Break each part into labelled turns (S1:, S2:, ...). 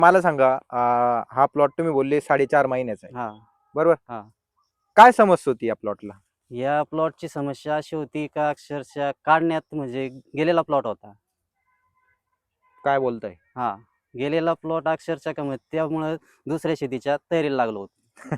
S1: मला सांगा हा प्लॉट तुम्ही बोलले 4.5 महिन्याचा आहे,
S2: हा
S1: बरोबर?
S2: हा
S1: काय समस्या होती या प्लॉटला?
S2: या प्लॉटची समस्या अशी होती का अक्षरशः काढण्यात म्हणजे गेलेला प्लॉट होता.
S1: काय बोलताय?
S2: हा गेलेला प्लॉट अक्षरशः का त्यामुळे दुसऱ्या शेतीच्या तयारीला लागलो होतो.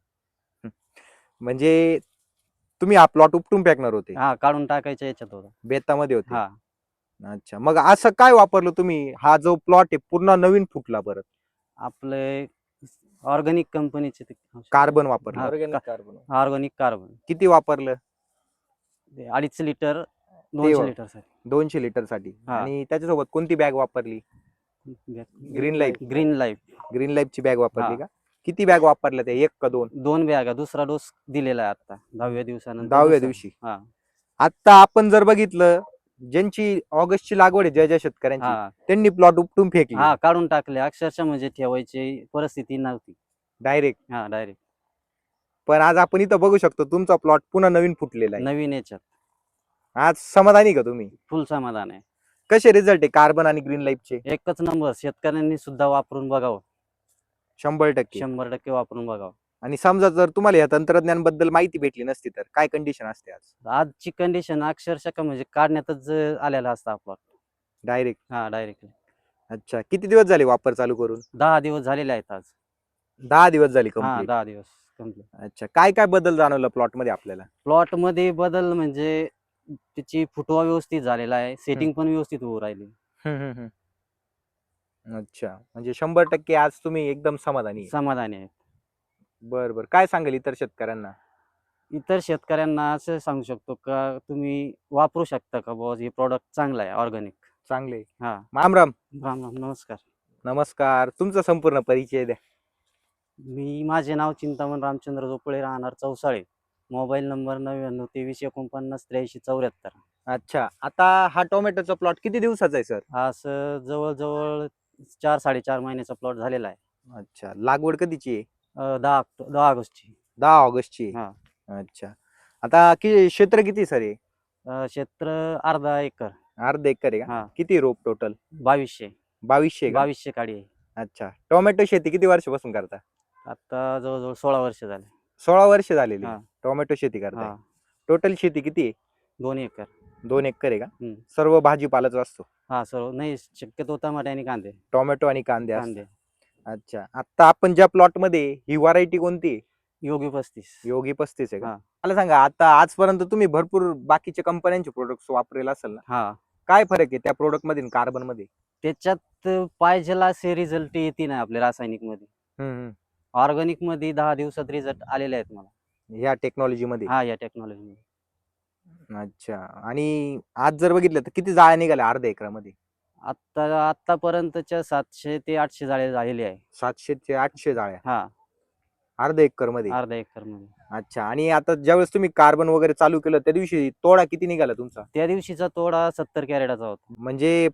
S1: म्हणजे तुम्ही हा प्लॉट उपटून फेकणार होते,
S2: हा काढून टाकायच्या याच्यात होता.
S1: बेतामध्ये होते.
S2: हा
S1: अच्छा, मग असं काय वापरलं तुम्ही? हा जो प्लॉट आहे पूर्ण नवीन फुटला परत.
S2: आपले ऑर्गॅनिक कंपनीचे
S1: कार्बन वापरलं.
S2: ऑर्गॅनिक कार्बन
S1: किती वापरलं?
S2: 2.5 लिटर
S1: ते
S2: 200 लिटर साठी.
S1: 200 लिटर साठी.
S2: हा.
S1: आणि त्याच्यासोबत कोणती बॅग वापरली? Green Life.
S2: Green Life.
S1: Green लाईफची बॅग वापरली
S2: हा.
S1: का? किती बॅग वापरल्या त्या, एक का दोन?
S2: 2 बॅगा. दुसरा डोस दिलेला आहे आता 10व्या दिवसानंतर.
S1: 10व्या दिवशी.
S2: हा
S1: आता आपण जर बघितलं, ज्यांची ऑगस्टची लागवड आहे, ज्या ज्या शेतकऱ्यांची,
S2: हा
S1: त्यांनी प्लॉट उपटून फेकले
S2: हा काढून टाकले. अक्षरशः म्हणजे ठेवायची परिस्थिती नव्हती
S1: डायरेक्ट.
S2: हा डायरेक्ट.
S1: पण आज आपण इथं बघू शकतो तुमचा प्लॉट पुन्हा नवीन फुटलेला आहे.
S2: नवीन याच्यात
S1: आज समाधानी का तुम्ही?
S2: फुल समाधान आहे.
S1: कसे रिझल्ट आहे कार्बन आणि ग्रीन लाईफचे?
S2: एकच नंबर. शेतकऱ्यांनी सुद्धा वापरून बघावं.
S1: 100%.
S2: 100% वापरून बघावं.
S1: आणि समजा जर तुम्हाला या तंत्रज्ञान बद्दल माहिती भेटली नसती तर काय कंडिशन असते आज?
S2: आजची कंडिशन अक्षरशः का म्हणजे काढण्यातच आलेला असता आपला
S1: डायरेक्ट.
S2: हा डायरेक्ट.
S1: अच्छा, किती दिवस झाले वापर चालू करून?
S2: 10 दिवस झालेले आहेत आज.
S1: 10 दिवस झाले
S2: हा
S1: कंप्लीट.
S2: 10 दिवस कंप्लीट.
S1: अच्छा, काय काय बदल जाणवला प्लॉट मध्ये आपल्याला?
S2: प्लॉट मध्ये बदल म्हणजे त्याची फुटवा व्यवस्थित झालेला आहे. सेटिंग पण व्यवस्थित होऊ राहिली.
S1: अच्छा, म्हणजे 100% आज तुम्ही एकदम
S2: समाधानी आहे.
S1: बर बर, काय सांगेल इतर शेतकऱ्यांना?
S2: इतर शेतकऱ्यांना असं सांगू शकतो का तुम्ही वापरू शकता का बुवा, हे प्रॉडक्ट चांगलं आहे ऑर्गॅनिक.
S1: चांगले.
S2: हा
S1: राम राम.
S2: राम राम. नमस्कार.
S1: नमस्कार, तुमचा संपूर्ण परिचय द्या.
S2: माझे नाव चिंतामण रामचंद्र झोपळे, राहणार चौसाळे. Mobile number 9923498374.
S1: अच्छा, आता हा टोमॅटोचा प्लॉट किती दिवसाचा आहे सर?
S2: हा सर जवळजवळ 4-4.5 महिन्याचा प्लॉट झालेला आहे.
S1: अच्छा, लागवड कधीची आहे?
S2: 10 ऑगस्टची.
S1: 10 ऑगस्टची.
S2: हा.
S1: अच्छा, आता क्षेत्र किती सर आहे?
S2: क्षेत्र अर्धा एकर.
S1: अर्धा एकर आहे का?
S2: हा.
S1: किती रोप टोटल?
S2: 2200.
S1: 2200 का?
S2: 2200 काडी आहे.
S1: अच्छा, टोमॅटो शेती किती वर्षापासून करता?
S2: आता जवळजवळ 16 वर्ष झाले.
S1: 16 वर्ष झालेली
S2: हा.
S1: टोमॅटो शेती करताय.
S2: हा
S1: टोटल शेती किती आहे?
S2: 2 एकर.
S1: 2 एकर आहे का?
S2: हम्म.
S1: सर्व भाजीपालाच असतो?
S2: हा सर्व नाही, शक्यतो टमाटे आणि कांदे.
S1: टोमॅटो आणि कांदे
S2: कांदे.
S1: असतात. अच्छा, आता आपण ज्या प्लॉट मध्ये ही व्हरायटी कोणती आहे?
S2: योगी 35.
S1: योगी 35 आहे का?
S2: हा.
S1: मला सांगा, आता आजपर्यंत तुम्ही भरपूर बाकीच्या कंपन्यांचे प्रोडक्ट्स वापरेल असेल ना,
S2: हा
S1: काय फरक आहे त्या प्रोडक्ट मध्ये कार्बन मध्ये?
S2: त्याच्यात पाहिजेला असे रिझल्ट येते नाही आपल्या रासायनिक मध्ये. ऑर्गॅनिक मध्ये 10 दिवसात रिझल्ट आलेले आहेत मला
S1: ह्या टेक्नॉलॉजी मध्ये.
S2: हा या टेक्नॉलॉजी मध्ये.
S1: अच्छा, आणि आज जर बघितलं तर किती जाळ्या निघाल्या अर्ध्या एकरामध्ये?
S2: आतापर्यंतच्या 700 ते 800 जाळे झालेले आहे.
S1: 700 ते 800 जाळ्या
S2: हा
S1: अर्ध्या एकर मध्ये?
S2: अर्धा एकर मध्ये.
S1: अच्छा, आणि आता ज्यावेळेस तुम्ही कार्बन वगैरे चालू केलं त्या दिवशी तोडा किती निघाला तुमचा?
S2: त्या दिवशीचा तोडा 70 कॅरेटाचा होता.
S1: म्हणजे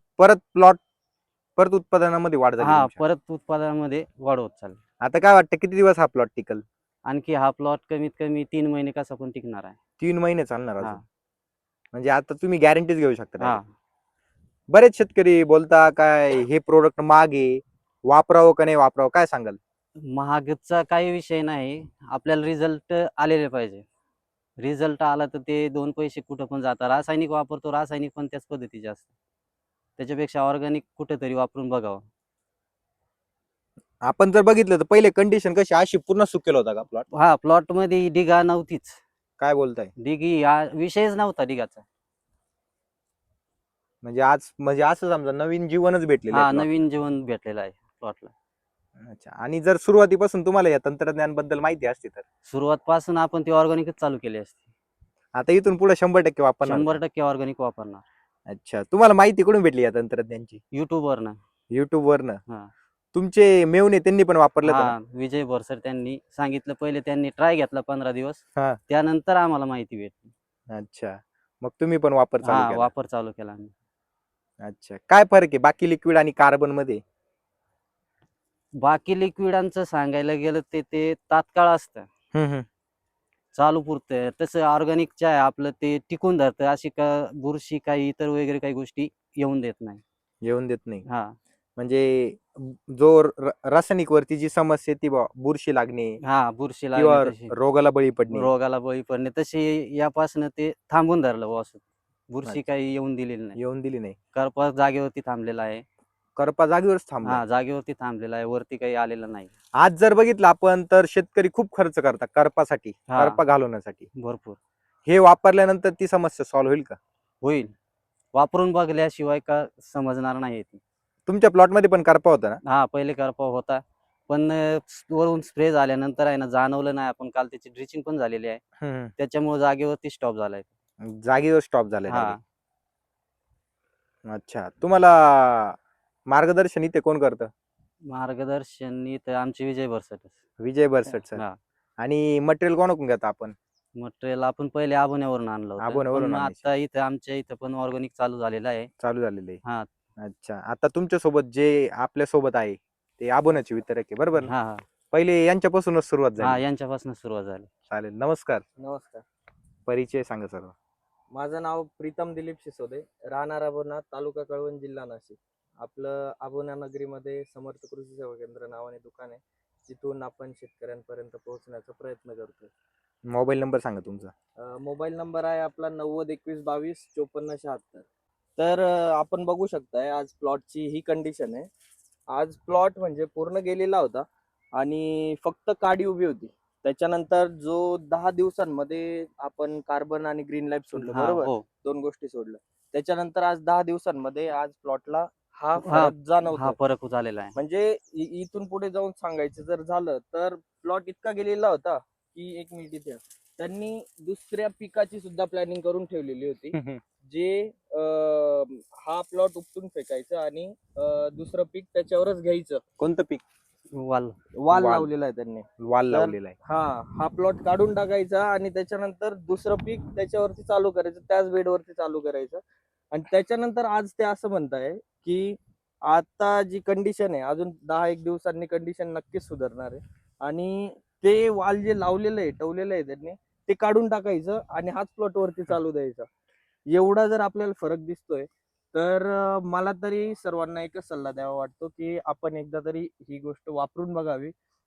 S1: परत उत्पादनामध्ये वाढ झाली
S2: हा
S1: तुमच्या?
S2: परत उत्पादनामध्ये वाढ होत चालली.
S1: आता काय वाटतं किती दिवस हा प्लॉट टिकल?
S2: आणखी हा प्लॉट कमीत कमी 3 महिने कसा पण टिकणार आहे.
S1: 3 महिने चालणार
S2: हा.
S1: अजून? म्हणजे आता तुम्ही गॅरंटीच घेऊ शकता
S2: हा
S1: direct. बरेच शेतकरी बोलता काय हे प्रोडक्ट महाग आहे, वापरावं का नाही वापरावं, काय सांगाल?
S2: महागचा काही विषय नाही, आपल्याला रिझल्ट आलेले पाहिजे. रिझल्ट आला तर ते 2 पैसे कुठं पण जातात. रासायनिक वापरतो, रासायनिक पण त्याच पद्धतीचे असतात. त्याच्यापेक्षा ऑर्गॅनिक कुठेतरी वापरून बघावं.
S1: आपण जर बघितलं तर पहिले कंडिशन कशी अशी पूर्ण सुकेल होता का प्लॉट?
S2: हा प्लॉट मध्ये डिगा नव्हतीच.
S1: काय बोलताय?
S2: डिगी हा विषयच नव्हता डिगाचा.
S1: म्हणजे आज म्हणजे असं समजा नवीन जीवनच भेटलेलं
S2: हा
S1: आहे plot ला.
S2: नवीन जीवन भेटलेलं आहे प्लॉटला.
S1: अच्छा, आणि जर सुरुवातीपासून तुम्हाला या तंत्रज्ञान बद्दल माहिती असती तर
S2: सुरुवात पासून आपण ती ऑर्गॅनिकच चालू केली असती.
S1: आता इथून पुढे 100% वापरणार का?
S2: 100% ऑर्गॅनिक वापरणार.
S1: अच्छा, तुम्हाला माहिती कुठून भेटली या तंत्रज्ञानची?
S2: युट्यूब वरनं.
S1: युट्यूब वरनं?
S2: हा
S1: तुमचे मेवणे त्यांनी पण वापरलं होतं ना?
S2: हा विजय बोरसर त्यांनी सांगितलं. पहिले त्यांनी ट्राय घेतला 15 दिवस.
S1: हा.
S2: त्यानंतर आम्हाला माहिती भेटली.
S1: अच्छा, मग तुम्ही पण वापर चालू
S2: हा
S1: केला?
S2: वापर चालू केला आम्ही.
S1: अच्छा, काय फरक आहे बाकी लिक्विड आणि कार्बन मध्ये?
S2: बाकी लिक्विडांचं सांगायला गेलं ते तात्काळ असतं, चालू पुरतं. तसं ऑर्गॅनिकच्या आहे आपलं ते टिकून धरतं. अशी का बुरशी काही इतर वगैरे काही गोष्टी येऊन देत नाही.
S1: येऊन देत नाही.
S2: हा
S1: म्हणजे जो रासायनिक वरती जी समस्या ती बुरशी लागणे
S2: हा बुरशी
S1: किंवा
S2: लागणे तशी,
S1: रोगाला बळी पडणे.
S2: रोगाला बळी पडणे तशी यापासून ते थांबून धरलं बुवा असं. बुरशी
S1: अच्छा.
S2: काही येऊन दिलेली नाही.
S1: येऊन दिली नाही.
S2: करपा जागेवरती थांबलेला आहे.
S1: करपा जागेवरच थांबलाय.
S2: हा जागेवरती थांबलेला आहे, वरती काही आलेलं नाही.
S1: आज जर बघितलं आपण तर शेतकरी खूप खर्च करतात करपासाठी,
S2: हा.
S1: करपा घालवण्यासाठी.
S2: भरपूर
S1: हे वापरल्यानंतर ती समस्या सॉल्व्ह होईल का?
S2: होईल. वापरून बघल्याशिवाय का समजणार नाही ती.
S1: तुमच्या प्लॉट मध्ये पण करपा होता ना?
S2: हा पहिले करपा होता, पण वरून स्प्रे झाल्यानंतर आहे ना जाणवलं नाही. आपण काल त्याची ड्रिचिंग पण झालेली आहे,
S1: हम्म.
S2: त्याच्यामुळे जागेवरती स्टॉप झालाय.
S1: जागेवर स्टॉप झालाय
S2: हा
S1: direct. अच्छा. तुम्हाला मार्गदर्शन इथे कोण करतं?
S2: मार्गदर्शन तर आमचे विजय बरसट.
S1: विजय बरसट सर.
S2: हा
S1: आणि मटेरियल कोणाकडून घेता आपण?
S2: मटेरियल आपण पहिले आबोण्यावरून आणलं होतं, पण
S1: आबोण्यावरून
S2: मग
S1: आणायचे.
S2: आता इथं आमच्या इथं पण ऑर्गॅनिक चालू झालेलं आहे.
S1: चालू झालेले.
S2: हा
S1: अच्छा. आता तुमच्या सोबत जे आपल्या सोबत आहे ते आबोण्याचे वितरक आहे, बरोबर ना?
S2: हा हा
S1: पहिले यांच्यापासूनच सुरुवात
S2: हा
S1: झाली.
S2: यांच्यापासून सुरुवात झाली.
S1: चालेल. नमस्कार.
S3: नमस्कार.
S1: परिचय सांगा सर्व.
S3: माझं नाव प्रीतम दिलीप शिसोदे, राहणार अबोना, तालुका कळवण, जिल्हा नाशिक. आपलं अबोना नगरीमध्ये समर्थ कृषी सेवा केंद्र नावाने दुकान आहे, जिथून आपण शेतकऱ्यांपर्यंत पोहोचण्याचा प्रयत्न करतोय.
S1: मोबाईल नंबर सांगा तुमचा.
S3: मोबाईल नंबर आहे आपला 9021225476. तर आपण बघू शकताय आज प्लॉटची ही कंडिशन आहे. आज प्लॉट म्हणजे पूर्ण गेलेला होता आणि फक्त काडी उभी होती. त्याच्यानंतर जो 10 दिवसांमध्ये आपण कार्बन आणि ग्रीन लाईफ सोडलं,
S2: हा
S3: बरोबर,
S2: हो
S3: 2 गोष्टी सोडल्या. त्याच्यानंतर आज 10 दिवसांमध्ये आज प्लॉटला हा
S2: हा
S3: फरक जाणवतो.
S2: हा फरक झालेला आहे.
S3: म्हणजे इथून पुढे जाऊन सांगायचं जर झालं तर प्लॉट इतका गेलेला होता की 1 मिनिट इथे त्यांनी दुसऱ्या पिकाची सुद्धा प्लॅनिंग करून ठेवलेली होती, जे हा प्लॉट उपटून फेकायचं आणि दुसरं पीक त्याच्यावरच घ्यायचं.
S1: कोणतं पीक?
S2: वाल
S3: वाल
S1: वाल.
S3: लावलेला आहे त्यांनी.
S1: वाल
S3: तर
S1: लावलेला आहे.
S3: हा प्लॉट काढून टाकायचा आणि त्याच्यानंतर दुसरं पीक त्याच्यावरती चालू करायचं, त्याच बेडवरती चालू करायचं. आणि त्याच्यानंतर आज ते असं म्हणताय की आता जी कंडिशन आहे अजून 10-1 दिवसांनी कंडिशन नक्कीच सुधारणार आहे आणि ते वाल जे लावलेलं आहे, ठेवलेलं आहे त्यांनी, ते काढून टाकायचं आणि हाच प्लॉट वरती चालू द्यायचा. एवढा जर आपल्याला फरक दिसतोय तर मला तरी सर्वांना एकच सल्ला द्यावा वाटतो की आपण एकदा तरी ही गोष्ट वापरून बघावी.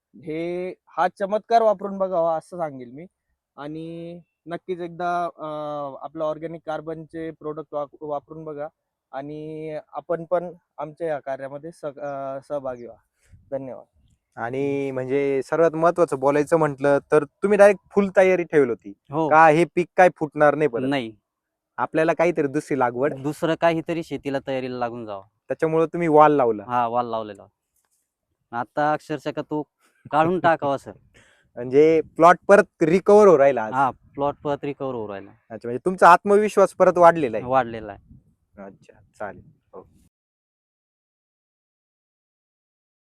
S3: हा चमत्कार वापरून बघावा असं सांगेल मी. आणि नक्कीच एकदा आपलं ऑर्गॅनिक कार्बनचे प्रोडक्ट वापरून बघा आणि आपण पण आमच्या या कार्यामध्ये सहभागी व्हा. धन्यवाद.
S1: आणि म्हणजे सर्वात महत्वाचं बोलायचं म्हटलं तर तुम्ही डायरेक्ट फुल तयारी ठेवली होती
S2: हो
S1: का हे पीक काय फुटणार नाही परत?
S2: नाही,
S1: आपल्याला काहीतरी दुसरी लागवड,
S2: दुसरं काहीतरी शेतीला तयारीला लागून जावं.
S1: त्याच्यामुळे तुम्ही वाल लावला.
S2: हा वाल लावलेला. आता अक्षरशः का तो काढून टाकावा सर.
S1: म्हणजे प्लॉट परत रिकवर हो राहिला आज.
S2: हा प्लॉट परत रिकवर होऊ राहिला,
S1: अच्छा. म्हणजे तुमचा आत्मविश्वास परत वाढलेला आहे.
S2: वाढलेला आहे.
S1: अच्छा. चालेल. हो.